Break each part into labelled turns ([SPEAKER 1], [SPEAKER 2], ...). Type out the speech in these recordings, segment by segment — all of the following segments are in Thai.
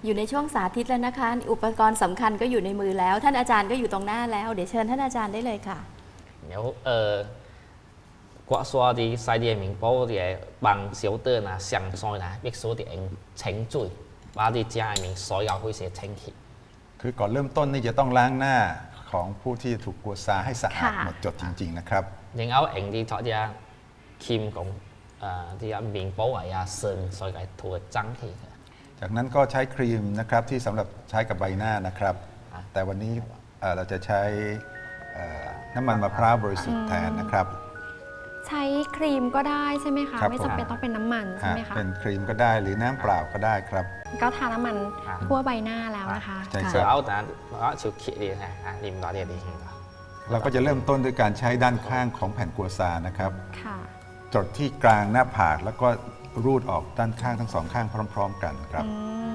[SPEAKER 1] อยู่ในช่วงสาธิตแล้วนะคะอุปกรณ์สำคัญก็อยู่ในมือแล้วท่านอาจารย์ก็อยู่ตรงหน้าแล้วเดี๋ยวเชิญท่านอาจารย์ได้เลยค่ะ
[SPEAKER 2] 有刮刷啲細啲嘅麵包嘅bằng小燈啊、上菜啊，必須啲清水，把啲家入面所有灰塵清潔。
[SPEAKER 3] คือก่อนเริ่มต้นนี่จะต้องล้างหน้าของผู้ที่ถูกกัวซาให้สะอาดหมดจดจริงๆนะครับ
[SPEAKER 2] 然後用啲嗰啲鉗講啲麵包啊、剩所以係塗爭氣嘅。
[SPEAKER 3] จากนั้นก็ใช้ครีมนะครับที่สำหรับใช้กับใบหน้านะครับแต่วันนี้เราจะใช้น้ำมันมะพร้าวบริสุทธิ์แทนนะครับ
[SPEAKER 4] ใช้ครีมก็ได้ใช่ไหมคะไม่จำเป็นต้องเป็นน้ำมันใช่ไหมคะ
[SPEAKER 3] เป็นครีมก็ได้หรือน้ำเปล่าก็ได้ครับ
[SPEAKER 4] ก็ทาน้ำมันทั่วใบหน้าแล้วนะคะ
[SPEAKER 3] ใช่ค
[SPEAKER 2] รับเอาแต่ว่าชิวขีดนะริมต่อเดียดี
[SPEAKER 3] เราก็จะเริ่มต้นด้วยการใช้ด้านข้างของแผ่นกัวซานะครับจดที่กลางหน้าผากแล้วก็รูดออกด้านข้างทั้งสองข้างพร้อมๆกันครับ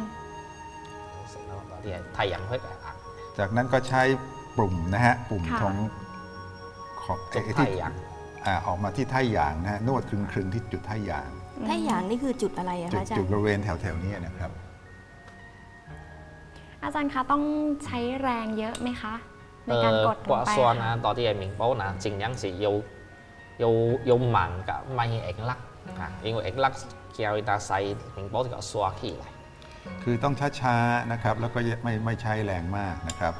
[SPEAKER 3] จากนั้นก็ใช้ปุ่มนะฮะปุ่มของ
[SPEAKER 2] ที่
[SPEAKER 3] ออกมาที่ท่าหยางนะฮะนวดคลึงๆที่จุดท่าหยาง
[SPEAKER 1] ท่าหยางนี่คือจุดอะไรอะคะอาจารย์
[SPEAKER 3] จุดบริเวณแถวๆนี้นะครับ
[SPEAKER 4] อาจารย์คะต้องใช้แรงเยอะไหมคะในการกดลงไป
[SPEAKER 2] 刮刷啊，多啲嘅麵包啊，盡量是要慢㗎，咪硬甩啊，因為硬甩叫佢細麵包就刷起嚟。
[SPEAKER 3] คือต้องช้าๆนะครับแล้วก็ไม่ใช้แรงมากนะครับ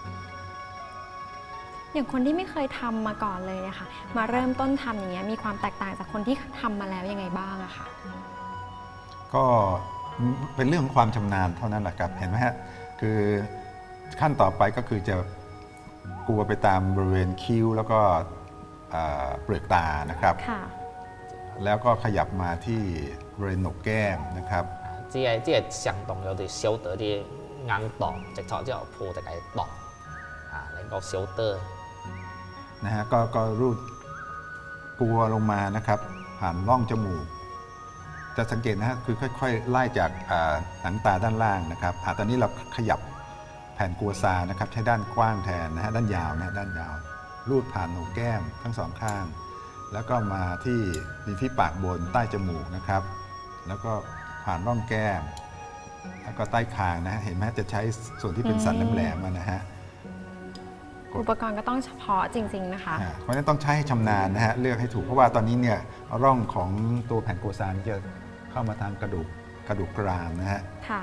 [SPEAKER 4] อย่างคนที่ไม่เคยทำมาก่อนเลยนะคะมาเริ่มต้นทำอย่างเงี้ยมีความแตกต่างจากคนที่ทำมาแล้วยังไงบ้างอะคะ
[SPEAKER 3] ก็เป็นเรื่องของความชำนาญเท่านั้นแหละครับเห็นไหมฮะคือขั้นต่อไปก็คือจะกลัวไปตามบริเวณคิ้วแล้วก็เปลือกตานะครับแล้วก็ขยับมาที่บริเวณหนกแก้มนะครับ
[SPEAKER 2] 即係上動有啲小得啲硬檔，直頭之後鋪就係檔啊，能夠小得
[SPEAKER 3] นะฮะก็รูดกลัวลงมานะครับผ่านร่องจมูกจะสังเกตนะฮะคือค่อยๆไล่จากหนังตาด้านล่างนะครับตอนนี้เราขยับแผ่นกัวซานะครับใช้ด้านกว้างแทนนะฮะด้านยาวนะด้านยาวรูดผ่านโหนกแก้มทั้งสองข้างแล้วก็มาที่ริมฝีปากบนใต้จมูกนะครับแล้วก็ผ่านร่องแก้มแล้วก็ใต้คางนะฮะเห็นไหมจะใช้ส่วนที่เป็นสันแหลมๆนะฮะ
[SPEAKER 4] อุปกรณ์ก็ต้องเฉพาะจริงๆนะคะ
[SPEAKER 3] เพราะฉะนั้นต้องใช้ให้ชำนาญนะฮะเลือกให้ถูกเพราะว่าตอนนี้เนี่ยร่องของตัวแผ่นกัวซาจะเข้ามาทางกระดูกกรามนะฮะ
[SPEAKER 4] ค่ะ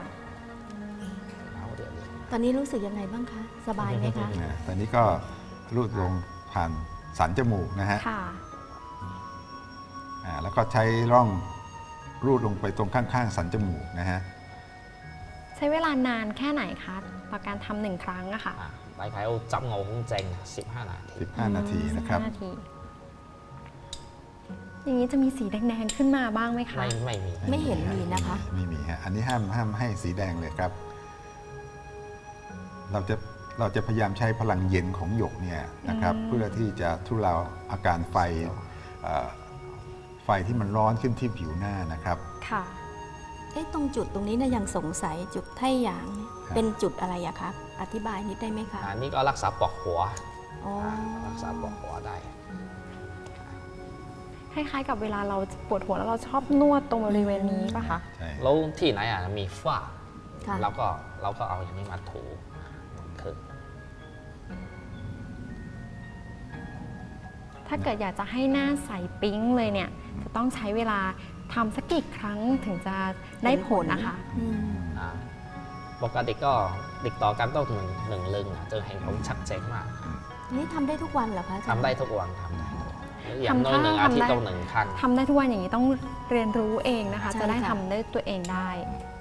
[SPEAKER 1] ตอนนี้รู้สึกยังไงบ้างคะสบายไหมคะ
[SPEAKER 3] ตอนนี้ก็รูดลงผ่านสันจมูกนะฮะแล้วก็ใช้ร่องรูดลงไปตรงข้างๆสันจมูกนะฮะ
[SPEAKER 4] ใช้เวลานานแค่ไหนคะต่อการทำหนึ่งครั้งอะค่ะ
[SPEAKER 2] 大概要執我好正15นาที
[SPEAKER 3] 15 นาทีนะครับ
[SPEAKER 4] อย่างนี้จะมีสีแดงๆขึ้นมาบ้างไหมคะ
[SPEAKER 2] ไม่มี
[SPEAKER 1] ไม่เห็นมีนะคะ
[SPEAKER 3] ไม่มีฮะอันนี้ห้ามให้สีแดงเลยครับเราจะพยายามใช้พลังเย็นของหยกเนี่ยนะครับเพื่อที่จะทุเลาอาการไฟที่มันร้อนขึ้นที่ผิวหน้านะครับ
[SPEAKER 4] ค่ะ
[SPEAKER 1] ตรงจุดตรงนี้นะยังสงสัยจุดไท่หยางเป็นจุดอะไรอะครับอธิบายนิดได้ไหมคะ
[SPEAKER 2] นี่ก็รักษาปวดหัวรักษาปวดหัวได้
[SPEAKER 4] คล้ายๆกับเวลาเราปวดหัวแล้วเราชอบนวดตรงบริเวณนี้ป่ะคะ
[SPEAKER 2] แล้วที่ไหนมีฝ้าเราก็เอาอย่างนี้มาถูคือ
[SPEAKER 4] ถ้าเกิดอยากจะให้หน้าใสปิ๊งเลยเนี่ยจะต้องใช้เวลาทำสักกี่ครั้งถึงจะได้ผลนะคะ
[SPEAKER 2] ปกติก็ติดต่อกันต้องหนึ่งลึงจะเห็นผลชัดเจนมาก
[SPEAKER 1] นี่ทำได้ทุกวันเหรอคะ
[SPEAKER 2] ทำได้ทุกวันอย่างน้อย1 อาทิตย์ต้อง1 ครั้ง
[SPEAKER 4] ทำได้ทุกวันอย่างนี้ต้องเรียนรู้เองนะคะจะได้ทำได้ตัวเองได้